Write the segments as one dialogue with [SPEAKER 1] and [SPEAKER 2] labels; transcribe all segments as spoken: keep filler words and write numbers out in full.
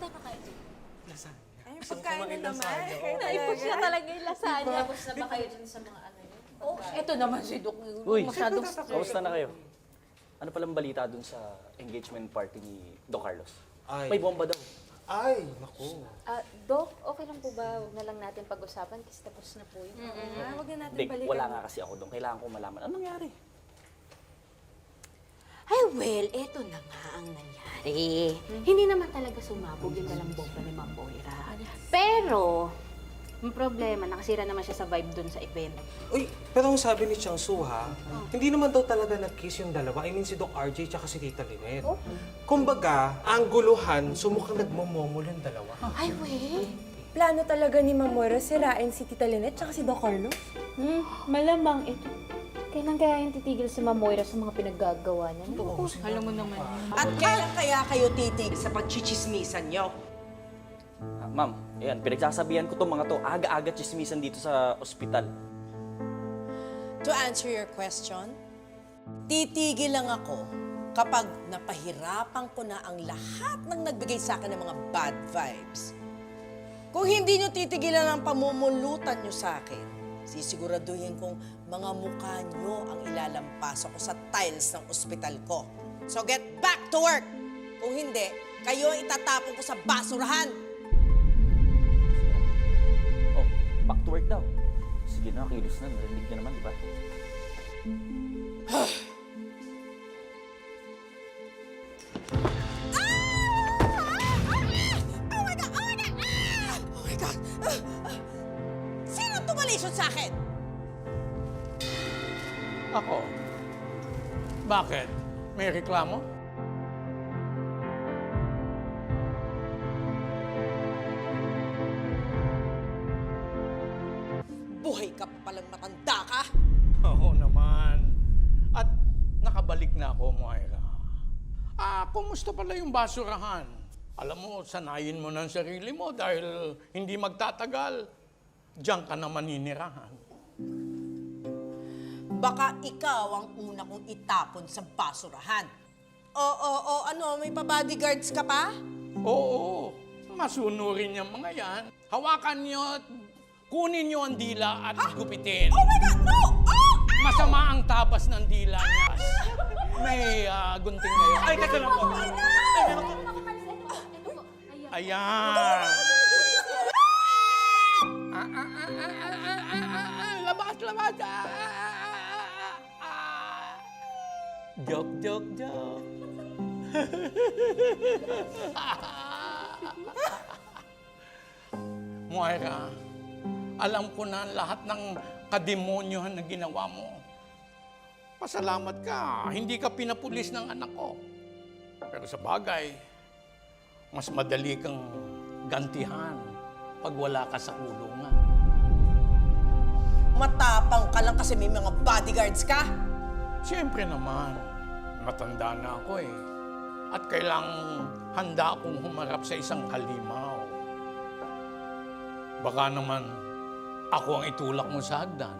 [SPEAKER 1] Ano na kayo?
[SPEAKER 2] Lasagna.
[SPEAKER 3] Ay, pagkain na naman.
[SPEAKER 1] Naipos siya talaga yung lasagna.
[SPEAKER 4] Tapos na ba kayo dun sa mga ano yun?
[SPEAKER 1] Oh, ito naman si Doc.
[SPEAKER 5] Uy,
[SPEAKER 1] Masyadong stress.
[SPEAKER 5] kamusta na kayo? Ano palang balita dun sa engagement party ni Doc Carlos?
[SPEAKER 2] Ay.
[SPEAKER 5] May bomba daw.
[SPEAKER 2] Ay, naku.
[SPEAKER 4] Ah, Doc, okay lang po ba? Huwag na lang natin pag-usapan kasi tapos na po yun.
[SPEAKER 3] Ah, Huwag na natin
[SPEAKER 5] Dick,
[SPEAKER 3] balikan.
[SPEAKER 5] wala nga kasi ako doon. Kailangan ko malaman. Anong nangyari?
[SPEAKER 6] Ay, well, eto na nga ang nangyari. Hindi naman talaga sumabog yung dalang bomba ni Ma'am Moira. Pero, ang problema, nakasira naman siya sa vibe dun sa event.
[SPEAKER 2] Uy, pero ang sabi ni Chang Su, ha, hindi naman daw talaga nag-kiss yung dalawa. I mean, si Doc R J tsaka si Tita Lynette. Kumbaga, ang guluhan, sumukhang nagmomomol yung dalawa.
[SPEAKER 6] Ay, well.
[SPEAKER 3] Plano talaga ni Ma'am Moira sirain si Tita Lynette tsaka si Doc Carlos?
[SPEAKER 4] Hmm, malamang ito. Kailan kaya yung titigil si Ma'am Moira sa mga pinaggagawa niya?
[SPEAKER 1] Alam mo naman.
[SPEAKER 7] At kailan kaya kayo titig sa pagchichismisan nyo?
[SPEAKER 5] Ah, ma'am, ayan, pinagsasabihan ko itong mga to. Aga-aga chismisan dito sa ospital.
[SPEAKER 7] To answer your question, titigil lang ako kapag napahirapan ko na ang lahat ng nagbigay sa akin ng mga bad vibes. Kung hindi nyo titigilan ang pamumulutan nyo sa akin, sisiguraduhin kong mga mukha nyo ang ilalampas ako sa tiles ng ospital ko. So get back to work! Kung hindi, kayo ang itatapon ko sa basurahan!
[SPEAKER 5] Oh, back to work daw. Sige na, kilos na. Narinig niya naman, di ba?
[SPEAKER 7] Oh my God! Oh my God! Ah! Oh my God! Ah! Ah! Sino tumalisod sa akin?
[SPEAKER 8] Ako? Bakit? May reklamo?
[SPEAKER 7] Buhay ka pa palang matanda ka?
[SPEAKER 8] Oo naman. At nakabalik na ako, Moira. Ah, kumusta pala yung basurahan? Alam mo, sanayin mo ng sarili mo dahil hindi magtatagal. Diyan ka na maninirahan.
[SPEAKER 7] Baka ikaw ang una kong itapon sa basurahan. Oo, oo, ano, may pa-bodyguards ka pa?
[SPEAKER 8] Oo, masunurin yung mga yan. Hawakan niyo at kunin niyo ang dila at gupitin.
[SPEAKER 7] Oh my God, no! Oh! Ah!
[SPEAKER 8] Masama ang tabas ng dila niya. May ah, gunting ngayon.
[SPEAKER 2] Ay, teka lang po.
[SPEAKER 8] Ayan. Ah, ah, ah, ah, ah, ah, ah, ah, labas, labas. Ah, ah, ah, ah. Joke, joke, joke. Moira, alam ko na lahat ng kademonyohan na ginawa mo. Pasalamat ka, hindi ka pinapulis ng anak ko. Pero sa bagay, mas madali kang gantihan pag wala ka sa kulungan.
[SPEAKER 7] Matapang ka lang kasi may mga bodyguards ka?
[SPEAKER 8] Siyempre naman, matanda na ako eh. At kailangang handa akong humarap sa isang halimaw. Baka naman ako ang itulak mo sa hagdan.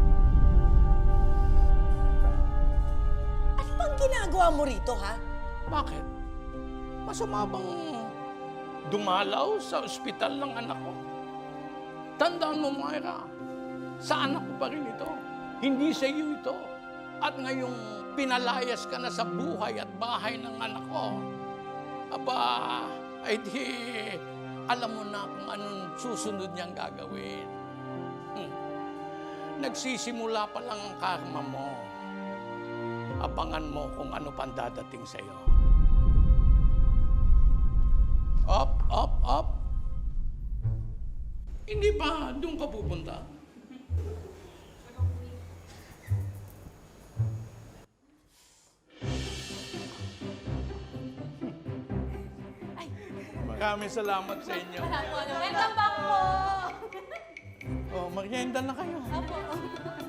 [SPEAKER 7] Ano bang ginagawa mo rito, ha?
[SPEAKER 8] Bakit? Masama bang dumalaw sa ospital ng anak ko? Tandaan mo, Moira, sa anak ko pa rin ito. Hindi sa iyo ito. At ngayong pinalayas ka na sa buhay at bahay ng anak ko, aba, ay di, alam mo na kung anong susunod niyang gagawin. Hmm. Nagsisimula pa lang ang karma mo. Abangan mo kung ano pang dadating sa'yo. Up, up, up. Hindi ba doon ka pupunta? Maraming salamat sa inyo.
[SPEAKER 1] Welcome back po!
[SPEAKER 8] Oh, merienda na kayo.
[SPEAKER 1] Apo.